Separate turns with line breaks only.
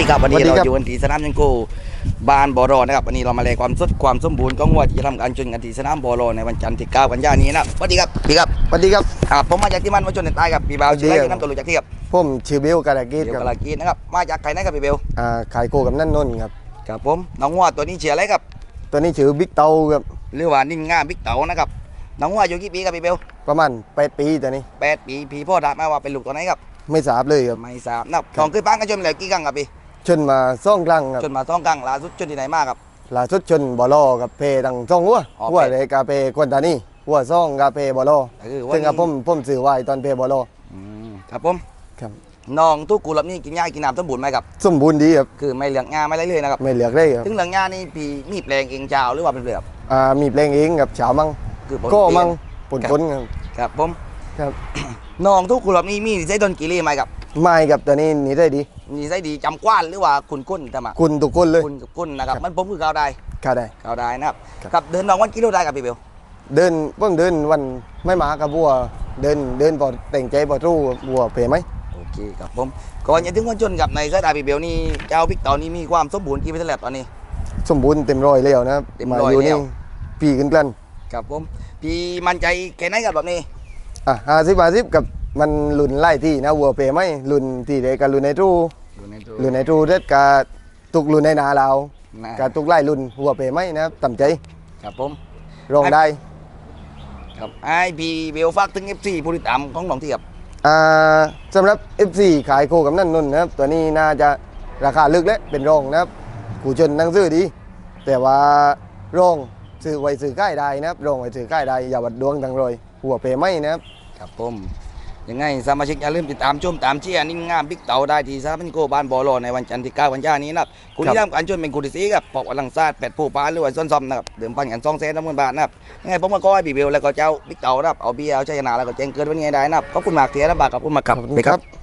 ดีครับวันนี้เราอยู่กันที่สนามยังโกบานบอรอนะครับวันนี้เรามาแลความสดความสมบูรณ์ของวัวที่จะทำการชนกันที่สนามบอรอในวันจันทร์ที่9 กันยายนนี้นะสวัสดีครับพี่ครับ
สวัสดีครับ
ผมมาจากที่มันมาชนในใต้ครับพี่บ่าวชื่ออะไรน้ำตัวรู้จักที่ครับ
ผมชื่อเบลกาลากีด
เดี๋ย
คว รับ
กลากีนะครับมาจากใครนะครับพี่เบล
ขายโคกับนั่นนนท์ครับ
ครับผมน้องวัวตัวนี้เชียร์อะไรครับ
ตัวนี้ชื่อบิ๊กเตาครับ
หรือว่านิ่งง่าบิ๊กเต๋านะครับน้องวัวอายุกี่ปีครับพี่เบล
ประมาณ8 ปีตัวนี้
8 ปีพี่พ่อถามมาว่าเป็นลูกตัวไหนครับ
ไม่ทราบเลยครับ
ไม่ทราบนะครับของเคยปั้งกันชนมาแล้วกี่ครั้งครับพี่
ชนมาซ่องครั้งครับ
ชนมา2 ครั้งล่าสุดชนที่ไหนมาครับ
ล่าสุดชนบอลอกับเพดังซ่องหัวเลยกาเพกวนตานี่หัวซ่องกาเพบอลอซึ่งกับผมสื่อไว้ตอนเพบอลอ
ครับผม
ครับ
น้องทุกกูรับนี่กินหญ้ากินน้ำสมบูรณ์ไหมครับ
สมบูรณ์ดีครับ
คือไม่เหลืองงาไม่ไรเลยนะครับ
ไม่เหลือเลยครับ
ถึงเหลืองงานี่พี่มีแปลงเองเจ้าหรือว่าเป็นเปลือก
มีเพลงเองกับเฉามัง
คือ
ก็มังปนครับ
ครับผม
ครับ
น้องทุกกูรับนี่มีนิสัยดนกีรีไหมครับ
ไม่กับตัวนี้นี่ได้ดี
นิสัยดีจำกว้านหรือว่าคุณก้นทำไม
คุณตุกุนเลย
คุณก้นนะครับมันผมคือเขาได้
เขาได้
นะครับครับเดินน้องวันกิโลได้กับพี่เบล
เดินผมเดินวันไม่มากับบัวเดินพอแต่งใจพอรู้บัวเป๋ไหม
โอเคครับผมก่อนจะถึงวันจนกับในสายตาพี่เบลนี่เจ้าบิ๊กเต่านี่มีความสมบูรณ์กี่เปอร์เซ็นต์แล้วตอนนี้
สมบูรณ์เต็มร้อยแล้วนะครับมาอยู่นี่ปีกันกัน
ครับผมพี่มั่นใจแค่ไหนกับแบบนี้
50 กับมันลุ่นไล่ที่นะวัวเป๋ไหมลุ่นที่เด็กกับลุ่นในตู้เด็ดกับตุกลุ่นในนาเรากับตุกไล่ลุ่นวัวเป๋ไหมนะครับต่ำใจ
ครับผม
รองได้
ครับไอพี่เบลฝากถึง FC ผู้ติดตามของน้องที่ครับ
สำหรับ FC ขายโคกับนั่นนนนะครับตัวนี้น่าจะราคาลึกและเป็นรองนะครับกูชนนั่งซื้อดีแต่ว่ารองซื้อไว้ซื้อใกล้ได้นะครับรองไว้ซื้อใกล้ได้อย่าวัดดวงทางรอยหัวเป๋ไหมนะครับ
ครับผมยังไงสมาชิกอย่าลืมติดตามชมตามเชียร์นิ่งงามบิ๊กเต่าได้ที่สนามโกบานบอลในวันจันทร์ที่9 กันยายนนี้นะครับคุณที่ทำการชนเป็นคุณที่4ครับปอกอลังซาด8 ผู้ปานหรือว่าส้นซอมนะครับเดิมพันกัน200,000 บาทนะครับยังไงผมก็ขอให้พี่เบลแล้วก็เจ้าบิ๊กเต่านะครับเอาเบียร์เอาชัยชนะแล้วก็แจ้งเกิดวันนี้ได้นะครับขอบคุณมากเสียนะบาทขอบคุณมากครับ